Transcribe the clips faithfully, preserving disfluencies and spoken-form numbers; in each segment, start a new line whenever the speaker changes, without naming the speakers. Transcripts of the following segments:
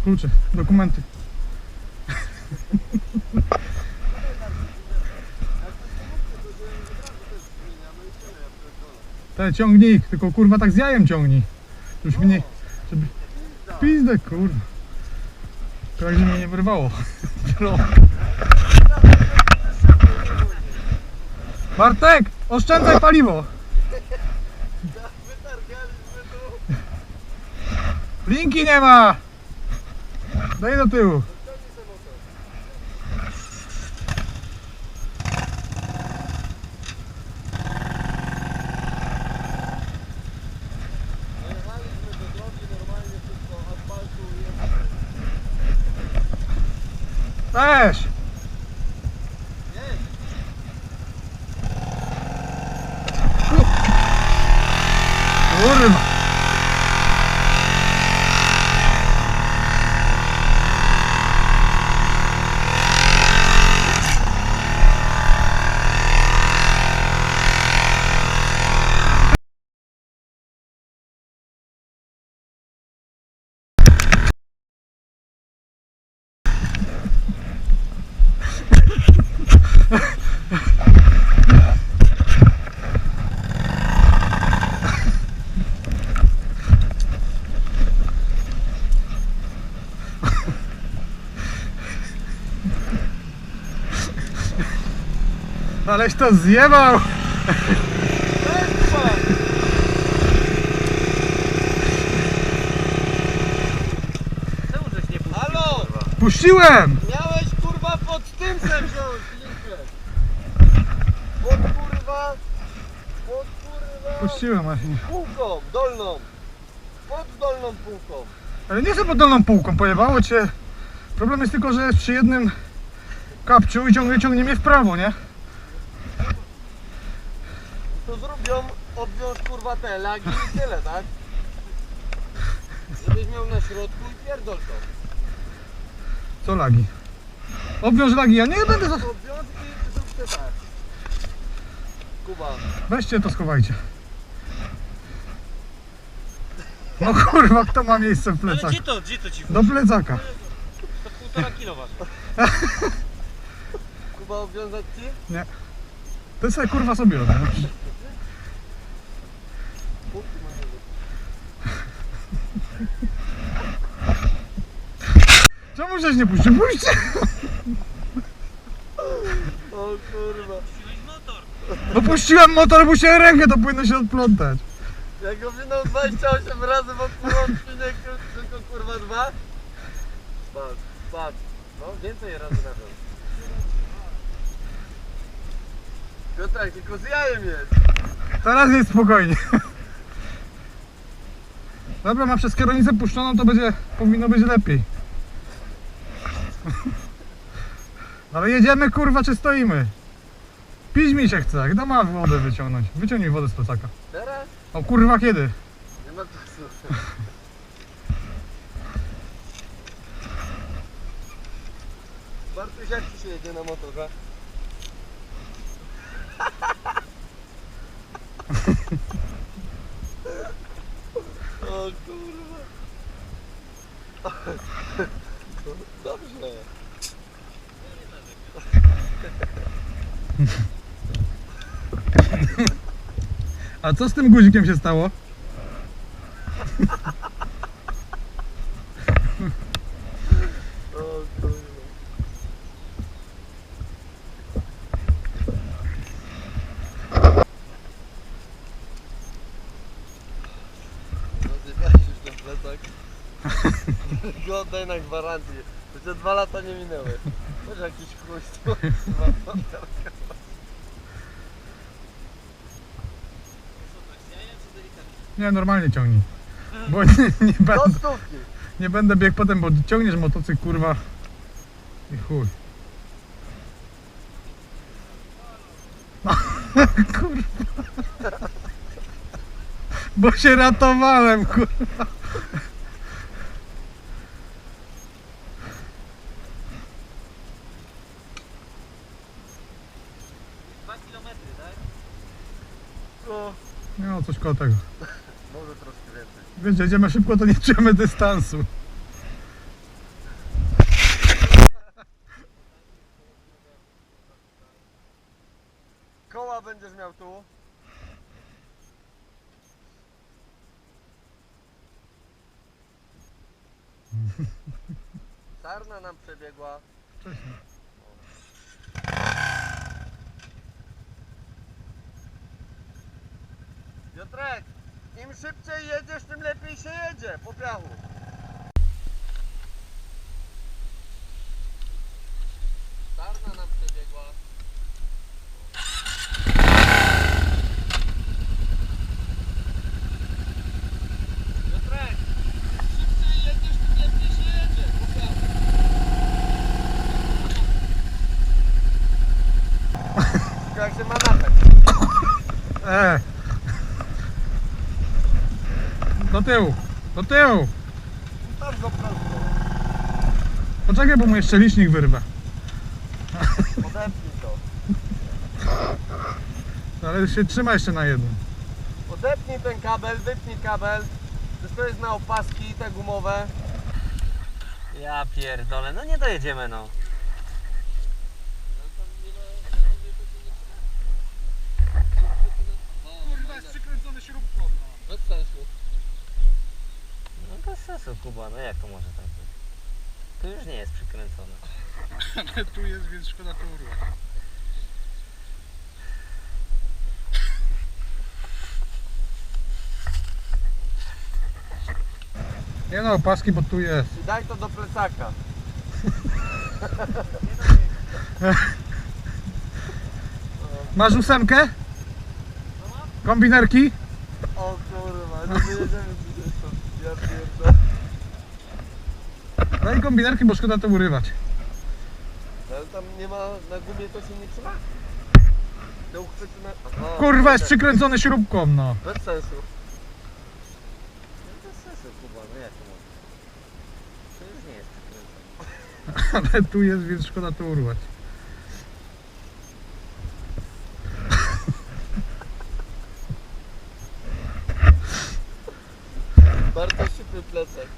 Klucze, dokumenty. Te ciągnik, tylko kurwa tak z jajem ciągnij. Już mnie, żeby... Pizdę kurwa. Tak, żeby mnie nie wyrwało. Bartek, oszczędzaj paliwo. Linki nie ma. Daj do tyłu. Też. Kurwa. Aleś to zjebał!
Czemu żeś nie puścił? Halo!
Puściłem!
Miałeś kurwa pod tym sem wziąć, linkę! Pod kurwa... Pod kurwa...
Puściłem właśnie.
Półką, dolną! Pod dolną półką!
Ale nie chcę pod dolną półką, pojebało cię. Problem jest tylko, że jest przy jednym kapciu i ciągnie, ciągnie mnie w prawo, nie?
To zrobią, obwiąż kurwa te lagi i tyle, tak? Żebyś miał na środku i pierdol to.
Co lagi? Obwiąż lagi, ja nie będę... za-
Obwiąż i zróbcie tak. Kuba.
Weźcie to, schowajcie. No kurwa, kto ma miejsce w
Ale
plecaku?
gdzie to, gdzie to ci
Do plecaka.
To półtora kilo waży.
Kuba, obwiązać ci?
Nie. To sobie kurwa sobie robię. Czemu żeś nie puścił? Puśćcie!
O kurwa.
Puściłeś motor.
No puściłem motor, puściłem rękę, to powinno się odplątać.
Jak go minął dwadzieścia osiem razy wokół łączki, nie tylko kurwa dwa? Patrz, patrz. No więcej razy na to. Piotrek, tylko z jajem jest.
Teraz jest spokojnie. Dobra, ma przez kierownicę puszczoną, to będzie, powinno być lepiej. Ale jedziemy kurwa, czy stoimy? Pić mi się chce, kto ma wodę wyciągnąć? Wyciągnij wodę z plecaka.
Teraz?
O kurwa, kiedy?
Nie ma czasu. Bartuś, jak ci się jedzie na motorze? O kurwa. Dobrze.
A co z tym guzikiem się stało?
O kurwa. Rozjebałeś już ten plecak. Go oddaj na gwarancję. Jeszcze dwa lata nie minęły. Może jakiś chuj z tyłu, kurwa.
Nie, normalnie ciągnij. Bo nie, nie,
Do
będę,
stówki.
nie będę biegł potem, bo ciągniesz motocykl kurwa. I chuj. No, kurwa. Bo się ratowałem, kurwa.
Dwa kilometry, tak?
No,
No, coś koło tego.
może troszkę więcej.
Wiesz, jedziemy szybko, to nie czujemy dystansu.
Sarna nam przebiegła.
Wcześniej.
Piotrek, im szybciej jedziesz, tym lepiej się jedzie po piachu. Sarna nam przebiegła. Piotrek, im szybciej jedziesz, tym lepiej się jedzie po piachu. Jak się ma napęd.
E. Do tyłu, do tyłu.
Tam go prosto.
Poczekaj, bo mu jeszcze licznik wyrwę.
Odepnij to.
Ale się trzyma jeszcze na jednym.
Odepnij ten kabel, wypnij kabel. To jest na opaski te gumowe.
Ja pierdolę, no nie dojedziemy no.
Kurwa, jest przykręcony śrubką.
Bez sensu.
No bez sensu Kuba, no jak to może tak być? To już nie jest przykręcone.
Ale tu jest, więc szkoda to urwać. Nie no, opaski, bo tu jest.
I daj to do plecaka.
Masz ósemkę? Kombinerki?
O kurwa, no wyjedziemy gdzieś tam. Ja pierdolę.
Daj kombinerki, bo szkoda to urywać.
Ale tam nie ma, na gumie to się nie trzyma? Te uchwyty na... Aha,
Kurwa, jest
tak.
przykręcony śrubką, no.
Bez sensu.
No bez sensu Kuba, no jak to może? To już nie jest przykręcone.
Ale tu jest, więc szkoda to urwać.
Bardzo szybki plecak.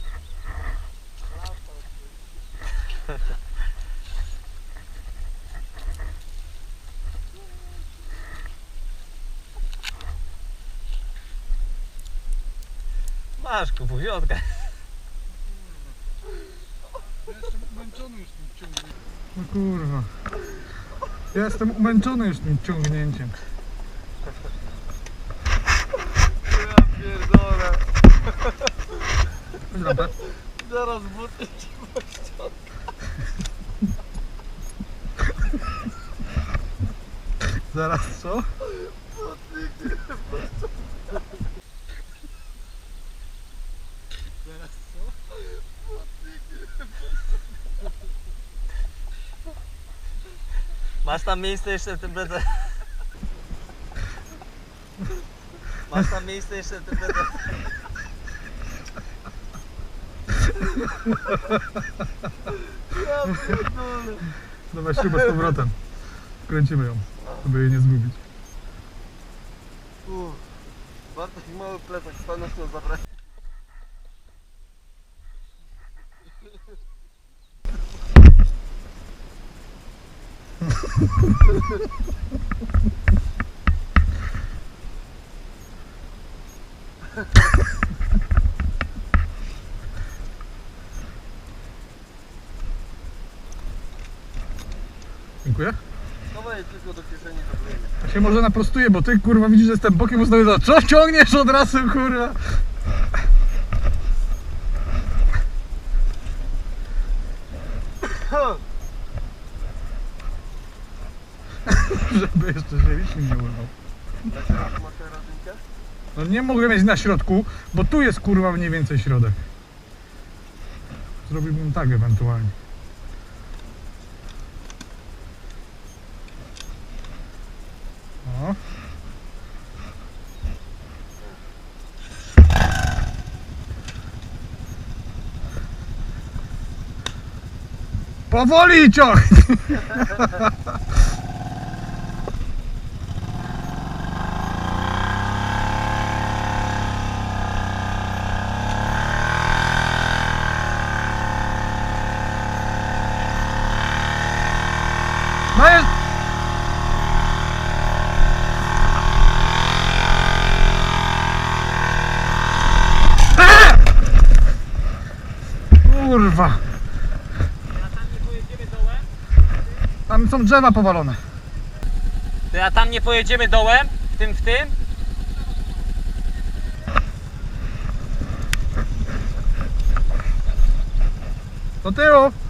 Masz Kubu, wiodka.
Ja jestem umęczony już tym ciągnięciem. No kurwa. Ja jestem umęczony już tym ciągnięciem.
Ja pierdolę.
Chodź lampę.
Zaraz buty ci pościąga.
Zaraz co? Zaraz co?
Masz tam miejsce jeszcze w tym plecach? Masz tam miejsce jeszcze w tym plecach?
Ja pierdolę.
Dawaj śrubę z powrotem. Kręcimy ją, żeby jej nie zgubić.
Uff. Bartek mały plecak, stanąć na zabrać.
Dziękuję.
Chowaj tylko do kieszeni, to wyjdzie.
Ja się może naprostuję, bo ty kurwa widzisz, że jestem bokiem ustawiony. Co ciągniesz od razu, kurwa? Żeby jeszcze się licznik nie urwał.
Na środku masz tę rodzinkę?
No nie mogę mieć na środku, bo tu jest kurwa mniej więcej środek. Zrobiłbym tak ewentualnie. O. Powoli ciągnij! No jest... kurwa.
A tam nie pojedziemy dołem?
Tam są drzewa powalone.
Ty, a tam nie pojedziemy dołem? W tym, w tym?
Do tyłu.